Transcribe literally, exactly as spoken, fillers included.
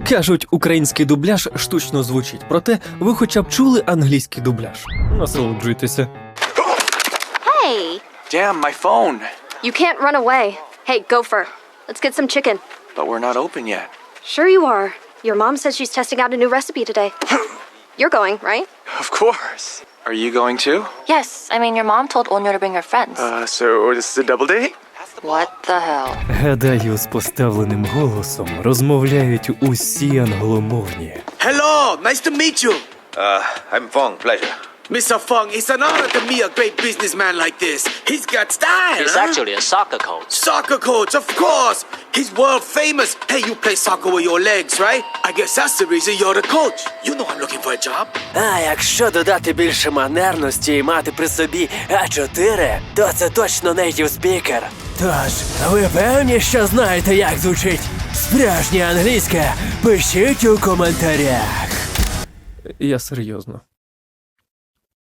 Кажуть, український дубляж штучно звучить, проте ви хоча б чули англійський дубляж. Насолоджуйтеся. Hey! Damn, my phone. You can't run away. Hey, Gopher, let's get some chicken. But we're not open yet. Sure you are. Your mom says she's testing out a new recipe today. You're going, right? Of course. Are you going too? Yes, I mean, your mom told Onyo to bring her friends. Uh, so this is a double date? What the hell? Гадаю, з поставленим голосом розмовляють усі англомовні. Hello, nice to meet you. Uh, I'm Fong, pleasure. Mister Fung, it's an honor to meet a great businessman like this. He's got style, He's huh? actually a soccer coach. Soccer coach, of course. He's world famous. Hey, you play soccer with your legs, right? I guess that's the reason you're the coach. You know I'm looking for a job. А якщо додати більше манерності і мати при собі А чотири, то це точно нейтів спікер. Тож, ви певні, що знаєте, як звучить справжнє англійське? Пишіть у коментарях. Я серйозно.